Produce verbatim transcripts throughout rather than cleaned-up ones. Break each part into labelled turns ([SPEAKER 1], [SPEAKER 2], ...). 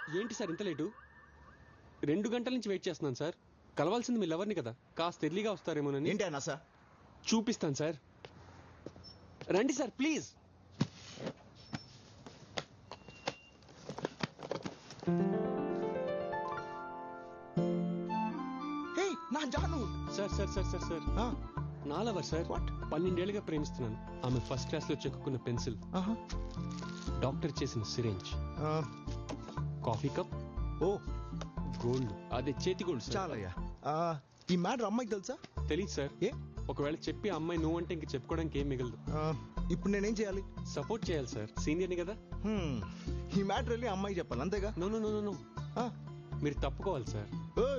[SPEAKER 1] ఏంటి సార్ ఇంత లేటు? రెండు గంటల నుంచి వెయిట్ చేస్తున్నాను సార్. కలవాల్సింది మీ లవర్ని కదా, కాస్త ఎర్లీగా వస్తారేమోనని.
[SPEAKER 2] ఏంటి అన్నా సార్?
[SPEAKER 1] చూపిస్తాను సార్, రండి సార్ ప్లీజ్.
[SPEAKER 2] నా జాను.
[SPEAKER 1] Sir sir sir sir sir నా లవర్ సార్.
[SPEAKER 2] వాట్?
[SPEAKER 1] పన్నెండేళ్లుగా ప్రేమిస్తున్నాను. ఆమె ఫస్ట్ క్లాస్ లో చెక్కున్న పెన్సిల్, డాక్టర్ చేసిన సిరేంజ్, కాఫీ కప్,
[SPEAKER 2] ఓ
[SPEAKER 1] గోల్డ్, అదే చేతి గోల్డ్.
[SPEAKER 2] చాలయ్యా. ఈ మ్యాటర్ అమ్మాయికి తెలుసా?
[SPEAKER 1] తెలీదు సార్.
[SPEAKER 2] ఏ
[SPEAKER 1] ఒకవేళ చెప్పి అమ్మాయి నువ్వు అంటే ఇంక చెప్పుకోవడానికి ఏం మిగలదు.
[SPEAKER 2] ఇప్పుడు నేనేం చేయాలి?
[SPEAKER 1] సపోర్ట్ చేయాలి సార్, సీనియర్ని కదా.
[SPEAKER 2] ఈ మ్యాటర్ వెళ్ళి అమ్మాయి చెప్పాలి అంతేగా?
[SPEAKER 1] నో నో నో నో మీరు తప్పుకోవాలి సార్.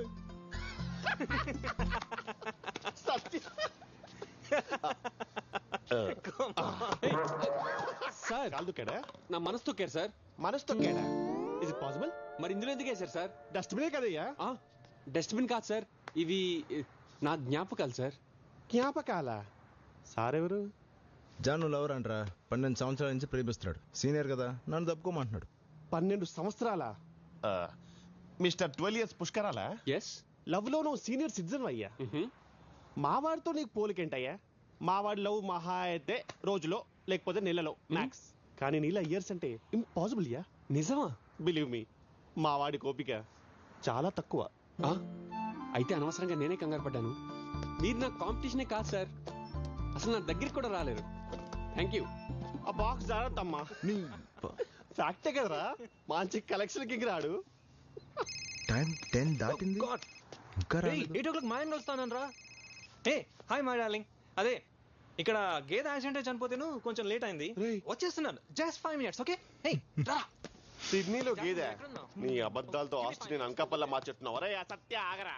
[SPEAKER 1] సార్
[SPEAKER 3] కాలు తొక్కాడా?
[SPEAKER 1] నా మనసు తొక్కారు సార్.
[SPEAKER 3] మనసు తొక్కాడా? Is it possible?
[SPEAKER 1] మరి ఇందులో ఎందుకు వేశారు సార్?
[SPEAKER 3] డస్ట్బినే కదయ్యా.
[SPEAKER 1] డస్ట్బిన్ కాదు సార్, ఇవి నా జ్ఞాపకాలు సార్.
[SPEAKER 3] జ్ఞాపకాల? సార్ ఎవరు?
[SPEAKER 2] జాను లవర్ అంటరా, పన్నెండు సంవత్సరాల నుంచి ప్రేమిస్తున్నాడు. సీనియర్ కదా, నన్ను తప్పుకోమంటున్నాడు.
[SPEAKER 3] పన్నెండు సంవత్సరాల మిస్టర్ ట్వెల్వ్ ఇయర్స్ పుష్కరాలా?
[SPEAKER 1] ఎస్.
[SPEAKER 3] లవ్ లో నువ్వు సీనియర్ సిటిజన్ అయ్యా. మావాడితో నీకు పోలికేంటయ్యా? మావాడి లవ్ మహా అయితే రోజులో లేకపోతే నెలలో మ్యాక్స్, కానీ నీలా ఇయర్స్ అంటే ఇంపాసిబుల్ యా.
[SPEAKER 1] నిజమా?
[SPEAKER 3] బిలీవ్ మీ, మావాడి కోపిక చాలా తక్కువ.
[SPEAKER 1] అయితే అనవసరంగా నేనే కంగారు పడ్డాను. మీరు నా కాంపిటీషనే కాదు సార్, అసలు నా దగ్గరికి కూడా రాలేరు. Thank you.
[SPEAKER 3] ఆ బాక్స్ జాగ్రత్తమ్మా. ఫ్యాక్టే కదరా, మంచి కలెక్షన్ కి రాడు.
[SPEAKER 2] టైం టెన్ దాటింది, ఇంకా
[SPEAKER 4] ఎయిట్ ఓ క్లాక్ మా ఇంట్లో వస్తాను రా. ఏ హాయ్ మై డార్లింగ్. అదే ఇక్కడ గేదె యాక్సిడెంట్ చనిపోతేను కొంచెం లేట్ అయింది, వచ్చేస్తున్నాను. Just five minutes okay. రా.
[SPEAKER 3] సిడ్నీలో గేదె? నీ అబద్ధాలతో ఆస్ట్రేలియన్ నేను అంకపల్ల మార్చెట్టున్నావు. అరే సత్య ఆగరా.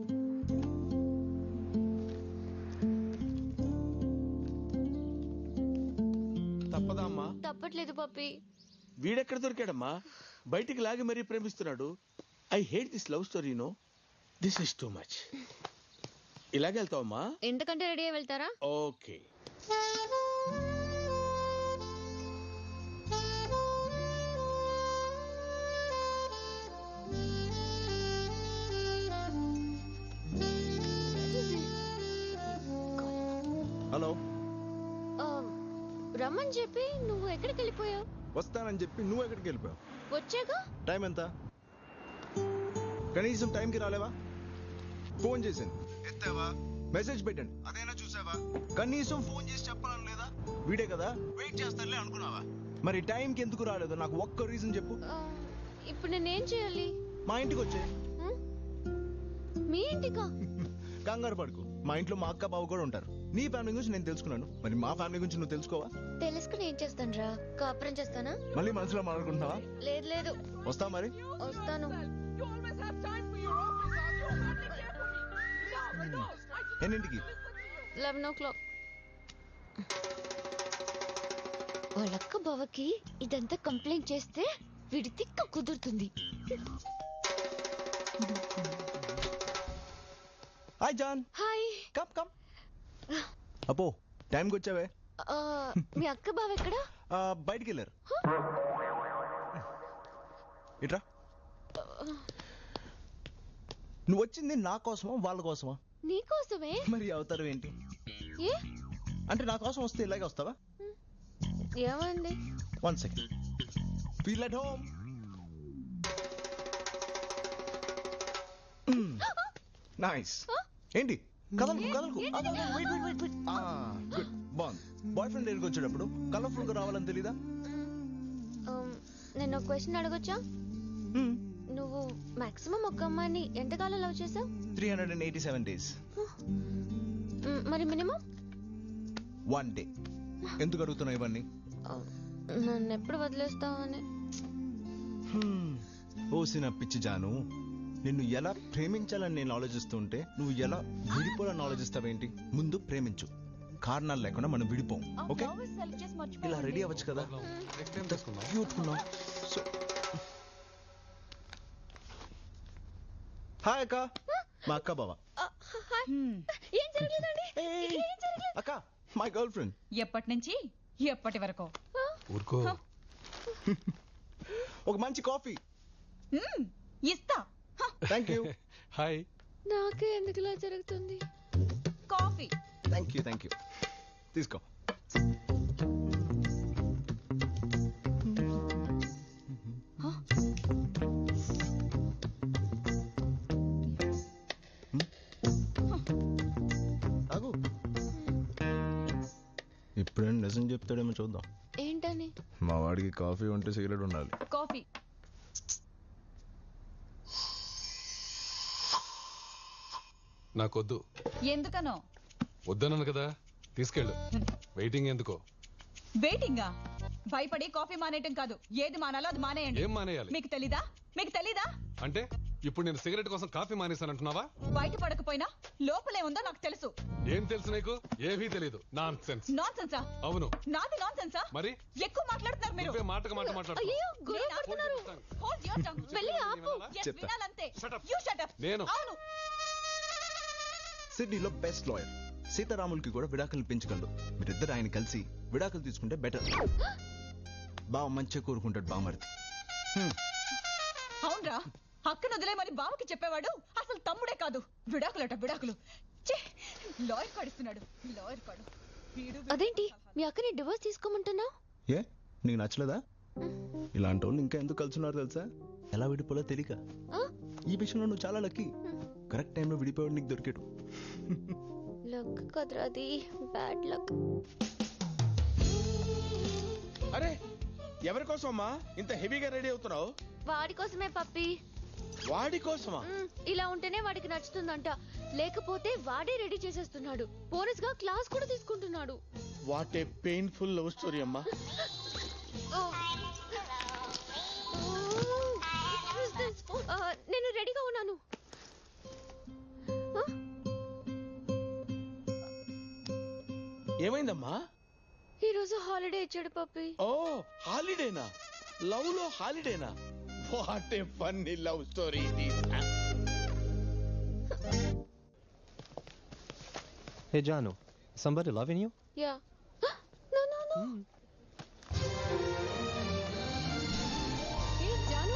[SPEAKER 5] తప్పదా అమ్మా?
[SPEAKER 6] తప్పట్లేదు పప్పి.
[SPEAKER 5] వీడెక్కడ దొరికాడమ్మా? బయటికి లాగి మరీ ప్రేమిస్తున్నాడు. I hate this love story. No, this is too much. ఇలాగే వెళ్తావమ్మా?
[SPEAKER 6] ఎంతకంటే రెడీ అయి వెళ్తారా?
[SPEAKER 5] ఓకే.
[SPEAKER 2] హలో.
[SPEAKER 6] రమ్మని చెప్పి నువ్వు ఎక్కడికి వెళ్ళిపోయావు?
[SPEAKER 2] వస్తానని చెప్పి నువ్వు ఎక్కడికి వెళ్ళిపోయావు?
[SPEAKER 6] వచ్చాక.
[SPEAKER 2] టైం ఎంత? కనీసం టైంకి రాలేవా? ఫోన్ చేశాను, ఎత్తావా? మెసేజ్ పెట్టండి, అదేనా చూసావా? కనీసం ఫోన్ చేసి చెప్పాలని లేదా? వీడే కదా, వెయిట్ చేస్తానులే అనుకున్నావా? మరి టైంకి ఎందుకు రాలేదు నాకు ఒక్క రీజన్ చెప్పు.
[SPEAKER 6] ఇప్పుడు నేనేం చేయాలి?
[SPEAKER 2] మా ఇంటికి వచ్చే.
[SPEAKER 6] మీ ఇంటికా?
[SPEAKER 2] కంగారు పడుకు, మా ఇంట్లో మా అక్క బావ కూడా ఉంటారు. నీ ఫ్యామిలీ గురించి నేను తెలుసుకున్నాను, మరి మా ఫ్యామిలీ గురించి నువ్వు తెలుసుకోవా?
[SPEAKER 6] తెలుసుకుని ఏం చేస్తాను రా? కాపురం చేస్తానా?
[SPEAKER 2] మళ్ళీ మనసులో మాట్లాడుకుంటున్నావా?
[SPEAKER 6] లేదు లేదు.
[SPEAKER 2] వస్తావా మరి?
[SPEAKER 6] వస్తాను.
[SPEAKER 2] ఎన్నింటికి?
[SPEAKER 6] లెవెన్ ఓ క్లాక్. వాళ్ళక్క బావకి ఇదంతా కంప్లైంట్ చేస్తే వీడి తిక్క కుదురుతుంది.
[SPEAKER 2] హాయ్ జాన్.
[SPEAKER 6] హాయ్.
[SPEAKER 2] Come come. అపో టైంకి వచ్చావే.
[SPEAKER 6] మీ అక్క బావ ఎక్కడా?
[SPEAKER 2] బయటికి వెళ్ళారు. ఇట్రా. నువ్వు వచ్చింది నా కోసమా వాళ్ళ కోసమా?
[SPEAKER 6] నీకోసమే.
[SPEAKER 2] మరి అవతారం ఏంటి?
[SPEAKER 6] ఏ
[SPEAKER 2] అంటే నా కోసం వస్తే ఇలాగే వస్తావా?
[SPEAKER 6] ఏమండి?
[SPEAKER 2] One second. Feel at home. Nice. ఏంటి కదలకు కదలకు? గుడ్. బాగుంది. బాయ్ ఫ్రెండ్ దగ్గరికి వచ్చేటప్పుడు కలర్ఫుల్ గా రావాలని తెలీదా?
[SPEAKER 6] నేను ఒక క్వశ్చన్ అడగొచ్చా? నువ్వు మాక్సిమం ఒక అమ్మాయిని ఎంతకాలం లవ్ చేసావు?
[SPEAKER 2] Three hundred and eighty seven days.
[SPEAKER 6] మరి మినిమం?
[SPEAKER 2] One day. ఎందుకు అడుగుతున్నావు ఇవన్నీ?
[SPEAKER 6] నన్ను ఎప్పుడు వదిలేస్తావు అని.
[SPEAKER 2] ఓసిన పిచ్చి జాను, నిన్ను ఎలా ప్రేమించాలని నేను ఆలోచిస్తుంటే నువ్వు ఎలా విడిపోవాలని ఆలోచిస్తావేంటి? ముందు ప్రేమించు, కారణాలు లేకుండా మనం విడిపోం. ఓకే, ఇలా రెడీ అవ్వచ్చు కదా. హాయ్ అక్క, మా అక్క బావ. అక్క మై గర్ల్ ఫ్రెండ్.
[SPEAKER 7] ఎప్పటి నుంచి ఎప్పటి వరకు?
[SPEAKER 1] ఊరుకో.
[SPEAKER 2] ఒక మంచి కాఫీ.
[SPEAKER 7] మ్మ్, ఇస్తా. హ,
[SPEAKER 2] థ్యాంక్ యూ
[SPEAKER 1] హాయ్.
[SPEAKER 6] నాకే ఎందుకు ఇలా జరుగుతుంది?
[SPEAKER 7] Coffee.
[SPEAKER 2] Thank you thank you తీసుకో. ఆగు. ఇప్పుడేం నిజం చెప్తాడేమో చూద్దాం.
[SPEAKER 6] ఏంటని?
[SPEAKER 2] మా వాడికి కాఫీ ఉంటే సిగరెట్ ఉండాలి.
[SPEAKER 7] కాఫీ.
[SPEAKER 8] నాకొద్దు.
[SPEAKER 7] ఎందుకనో?
[SPEAKER 8] వద్దన్నాను కదా, తీసుకెళ్ళు. వెయిటింగ్ ఎందుకో?
[SPEAKER 7] వెయిటింగా? భయపడి కాఫీ మానేయటం కాదు, ఏది మానాలో అది మానేయండి.
[SPEAKER 8] ఏం మానేయాలి?
[SPEAKER 7] మీకు తెలీదా? మీకు తెలీదా?
[SPEAKER 8] అంటే ఇప్పుడు నేను సిగరెట్ కోసం కాఫీ మానేశానంటున్నావా?
[SPEAKER 7] బయట పడకపోయినా లోపలే ఉందో నాకు తెలుసు.
[SPEAKER 8] ఏం తెలుసు నీకు? ఏమీ తెలీదు. Nonsense.
[SPEAKER 7] నాన్ సెన్సా?
[SPEAKER 8] అవును.
[SPEAKER 7] నాది నాన్ సెన్సా?
[SPEAKER 8] మరి
[SPEAKER 7] ఎక్కువ మాట్లాడుతున్నారు మీరు.
[SPEAKER 8] నువ్వే మాటకు మాట మాట్లాడుతున్నావు.
[SPEAKER 6] అయ్యో గొడవ పడుతున్నారు.
[SPEAKER 7] Hold your tongue.
[SPEAKER 6] వెళ్ళి ఆపు.
[SPEAKER 7] Yes,
[SPEAKER 2] చెప్తా.
[SPEAKER 7] వినాలంతే.
[SPEAKER 8] Shut up.
[SPEAKER 7] You shut up.
[SPEAKER 8] నేను.
[SPEAKER 7] అవును.
[SPEAKER 2] సిడ్నీలో బెస్ట్ లాయర్ సీతారాములకి కూడా విడాకులు పెంచగలడు. మీరిద్దరు ఆయన కలిసి విడాకులు తీసుకుంటే బెటర్. బావ మంచిగా కోరుకుంటాడు బామర్ది.
[SPEAKER 7] అవునరా, అక్కను వదిలే మరి బావకి చెప్పేవాడు అసలు తమ్ముడే కాదు. విడాకులట విడాకులు. ఛే, లాయర్ కాడిస్తున్నాడు. లాయర్ కాడు. వీడు
[SPEAKER 6] అదేంటి మీ అక్కని డివోర్స్ తీసుకోమంటున్నావు?
[SPEAKER 2] ఏ నీకు నచ్చలేదా? ఇలాంటి వాళ్ళు ఇంకా ఎందుకు కలుసున్నారు తెలుసా? ఎలా విడిపోలో తెలియక. ఈ విషయంలో నువ్వు చాలా లక్కీ. కరెక్ట్ టైంలో విడిపోయాడు నీకు దొరికాడు.
[SPEAKER 6] లక్ కదరా అది, బ్యాడ్ లక్.
[SPEAKER 5] అరే ఎవరి కోసం అమ్మా ఇంత హెవీగా రెడీ అవుతున్నావు?
[SPEAKER 6] వాడి కోసమే పప్పి.
[SPEAKER 5] వాడి కోసమా?
[SPEAKER 6] మ్, ఇలా ఉంటేనే వాడికి నచ్చుతుందంట. లేకపోతే వాడే రెడీ చేసేస్తున్నాడు. బోనస్ గా క్లాస్ కూడా తీసుకుంటున్నాడు.
[SPEAKER 5] What a painful love story అమ్మా.
[SPEAKER 6] ఓ. Who's this? ఆ, నేను రెడీగా ఉన్నాను. ఆ?
[SPEAKER 5] ఏమైందమ్మా?
[SPEAKER 6] ఈ రోజు హాలిడే ఇచ్చాడు పప్పి.
[SPEAKER 5] ఓ హాలిడేనా? లవ్ లో హాలిడేనా? What a funny love story ఇది.
[SPEAKER 4] Hey Janu, somebody loving you?
[SPEAKER 6] Yeah. No no no. ఏ జాను.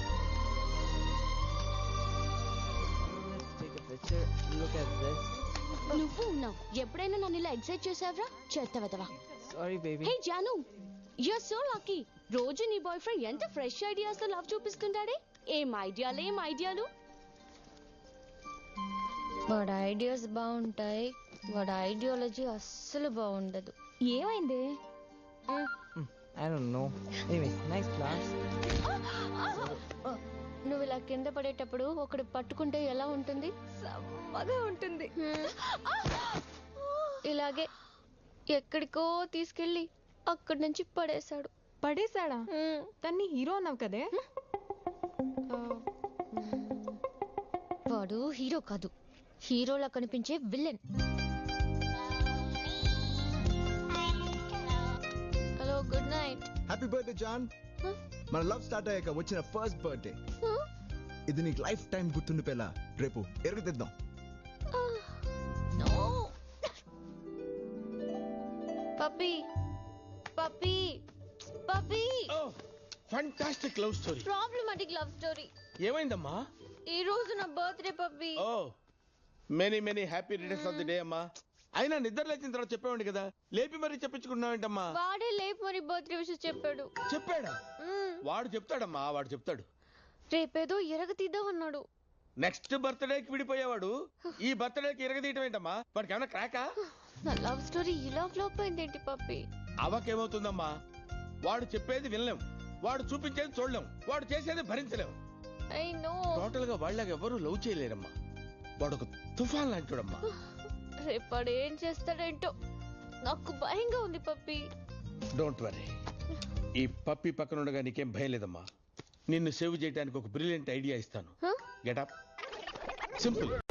[SPEAKER 9] Let's take a picture. Look at this.
[SPEAKER 6] నువ్వు ఉన్నావు. ఎప్పుడైనా నన్ను ఇలా ఎక్సైట్ చేసావరా? చేస్తావా?
[SPEAKER 9] Sorry, baby.
[SPEAKER 6] హే జాను, యూఆర్ సో లక్కీ. రోజు నీ బాయ్ ఫ్రెండ్ ఎంత ఫ్రెష్ ఐడియాస్ తో లవ్ చూపిస్తుంటాడే. ఏం ఐడియాలు ఏం ఐడియాలు. వాడి ఐడియాస్ బాగుంటాయి, వాడి ఐడియాలజీ అస్సలు బాగుండదు. ఏమైంది?
[SPEAKER 9] I don't know. Anyway, nice class.
[SPEAKER 6] నువ్వు ఇలా కింద పడేటప్పుడు ఒకడు పట్టుకుంటే ఎలా ఉంటుంది? సమ్మగా ఉంటుంది. ఇలాగే ఎక్కడికో తీసుకెళ్ళి అక్కడి నుంచి పడేశాడు.
[SPEAKER 10] పడేశాడా? తన్ని హీరో అన్నావు కదే.
[SPEAKER 6] వాడు హీరో కాదు, హీరోలా కనిపించే villain. Hello, good night.
[SPEAKER 2] Happy birthday జాన్. మన లవ్ స్టార్ట్ అయ్యాక వచ్చిన ఫస్ట్ బర్త్డే. ఇది నీకు లైఫ్ టైం గుర్తుండిపోయేలా రేపు ఎరుగుతిద్దాం.
[SPEAKER 6] Puppy puppy puppy.
[SPEAKER 5] Oh fantastic love story.
[SPEAKER 6] Problematic love story.
[SPEAKER 5] ఏమైందమ్మా?
[SPEAKER 6] ఈ రోజు నా birthday puppy.
[SPEAKER 5] Oh many many happy returns of the day అమ్మా. అయినా నిద్ర లేచిన తర్వాత చెప్పేవాడి కదా, లేపి మరీ చెప్పించుకున్నావేంటమ్మా?
[SPEAKER 6] వాడే లేపు మరి బర్త్డే విషయం చెప్పాడు.
[SPEAKER 5] చెప్పాడా? వాడు చెప్తాడమ్మా, వాడు చెప్తాడు.
[SPEAKER 6] రేపేదో ఎరగ తీద్దామన్నాడు.
[SPEAKER 5] నెక్స్ట్ బర్త్డేకి విడిపోయేవాడు ఈ బర్త్డేకి ఇరగదీయటం ఏంటమ్మా? వాడికి ఏమైనా క్రాకా?
[SPEAKER 6] నా లవ్ స్టోరీ ఇలా ఫ్లాప్ అయిందేంటి పప్పీ?
[SPEAKER 5] అవకేమవుతుందమ్మా? వాడు చెప్పేది వినలేం, వాడు చూపించేది చూడలేం, వాడు చేసేది భరించలేం.
[SPEAKER 6] I know.
[SPEAKER 5] టోటల్ గా వాళ్ళకి ఎవరు లవ్ చేయలేరమ్మా. వాడు ఒక తుఫాన్ లాంటివాడమ్మా.
[SPEAKER 6] రేపాడు ఏం చేస్తాడేంటో నాకు భయంగా ఉంది పప్పీ.
[SPEAKER 5] డోంట్ వరీ, ఈ పప్పి పక్కన ఉండగా నీకేం భయం లేదమ్మా. నిన్ను సేవ్ చేయడానికి ఒక బ్రిలియంట్ ఐడియా ఇస్తాను. Get up. సింపుల్.